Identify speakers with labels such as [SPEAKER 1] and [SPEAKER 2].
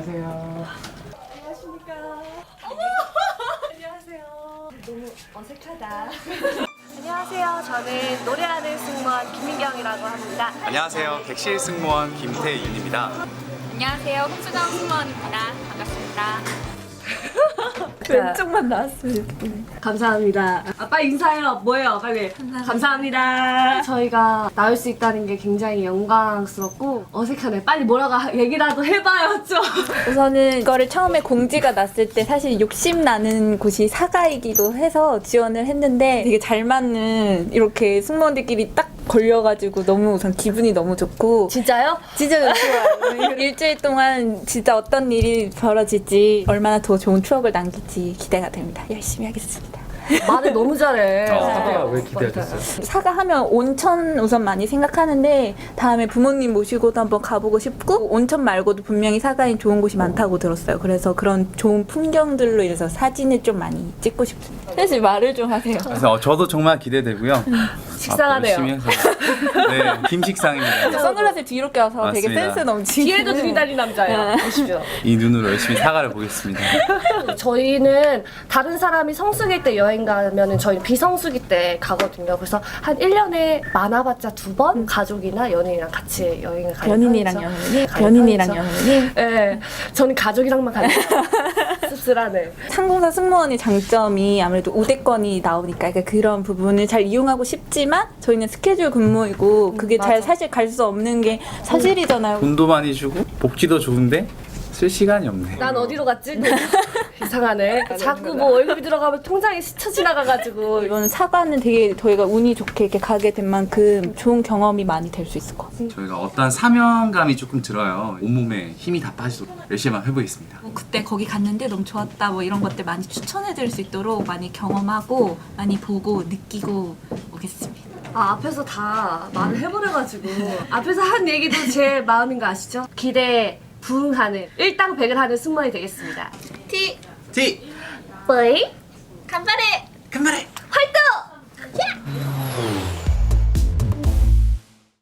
[SPEAKER 1] 안녕하세요.
[SPEAKER 2] 안녕하십니까. 어머! 안녕하세요. 너무 어색하다. 안녕하세요. 저는 노래하는 승무원 김민경이라고 합니다.
[SPEAKER 3] 안녕하세요. 객실 승무원 김태윤입니다.
[SPEAKER 4] 안녕하세요. 홍수정 승무원입니다. 반갑습니다.
[SPEAKER 2] 왼쪽만 나왔으면
[SPEAKER 5] 감사합니다. 빨리 인사해요. 뭐예요? 빨리. 감사합니다. 저희가 나올 수 있다는 게 굉장히 영광스럽고 어색하네. 빨리 뭐라고 얘기라도 해봐요, 좀.
[SPEAKER 6] 우선은 이거를 처음에 공지가 났을 때 사실 욕심 나는 곳이 사가이기도 해서 지원을 했는데 되게 잘 맞는 이렇게 승무원들끼리 딱 걸려가지고 너무 우선 기분이 너무 좋고
[SPEAKER 5] 진짜요?
[SPEAKER 6] 진짜 좋아요. 일주일 동안 진짜 어떤 일이 벌어질지 얼마나 더 좋은 추억을 남길지 기대가 됩니다. 열심히 하겠습니다.
[SPEAKER 5] 말을 너무 잘해.
[SPEAKER 1] 사과가 왜 기대가 됐어요?
[SPEAKER 6] 사가 하면 온천 우선 많이 생각하는데 다음에 부모님 모시고도 한번 가보고 싶고 온천 말고도 분명히 사가엔 좋은 곳이 많다고 들었어요. 그래서 그런 좋은 풍경들로 인해서 사진을 좀 많이 찍고 싶습니다. 사실 말을 좀 하세요.
[SPEAKER 3] 그래서 저도 정말 기대되고요.
[SPEAKER 5] 식상하네요.
[SPEAKER 3] 열심히 해서. 네, 김식상입니다.
[SPEAKER 6] 선글라스 뒤로 껴서 되게
[SPEAKER 3] 맞습니다.
[SPEAKER 6] 센스 넘치는
[SPEAKER 5] 뒤에도 들이다니 남자예요. 보십시오.
[SPEAKER 3] 이 눈으로 열심히 사과를 보겠습니다.
[SPEAKER 5] 저희는 다른 사람이 성수기 때 여행 가면은 저희는 비성수기 때 가거든요. 그래서 한 1년에 많아봤자 2번 가족이나 연인이랑 같이 여행을 가요.
[SPEAKER 6] 연인이랑 연인이? 연인이랑 연인이?
[SPEAKER 5] 네, 저는 가족이랑만 가요. 씁쓸하네.
[SPEAKER 6] 상공사 승무원의 장점이 아무래도 우대권이 나오니까 그러니까 그런 부분을 잘 이용하고 싶지만 저희는 스케줄 근무이고 그게 잘
[SPEAKER 5] 맞아.
[SPEAKER 6] 사실 갈 수 없는 게 사실이잖아요.
[SPEAKER 3] 돈도 많이 주고 복지도 좋은데 쓸 시간이 없네.
[SPEAKER 5] 난 어디로 갔지? 이상하네. 자꾸 뭐 월급이 들어가면 통장에 스쳐 지나가가지고.
[SPEAKER 6] 이번 사과는 되게 저희가 운이 좋게 이렇게 가게 된 만큼 좋은 경험이 많이 될 수 있을 것 같아요.
[SPEAKER 3] 저희가 어떤 사명감이 조금 들어요. 온몸에 힘이 다 빠지도록 열심히 한번 해보겠습니다.
[SPEAKER 4] 뭐 그때 거기 갔는데 너무 좋았다 뭐 이런 것들 많이 추천해드릴 수 있도록 많이 경험하고 많이 보고 느끼고 오겠습니다.
[SPEAKER 5] 아, 앞에서 다 말을 해버려가지고. 앞에서 한 얘기도 제 마음인 거 아시죠? 기대에 부응하는, 일당백을 하는 승무원이 되겠습니다.
[SPEAKER 4] 티!
[SPEAKER 3] 티!
[SPEAKER 5] 뿌이!
[SPEAKER 4] 간발에!
[SPEAKER 3] 간발에!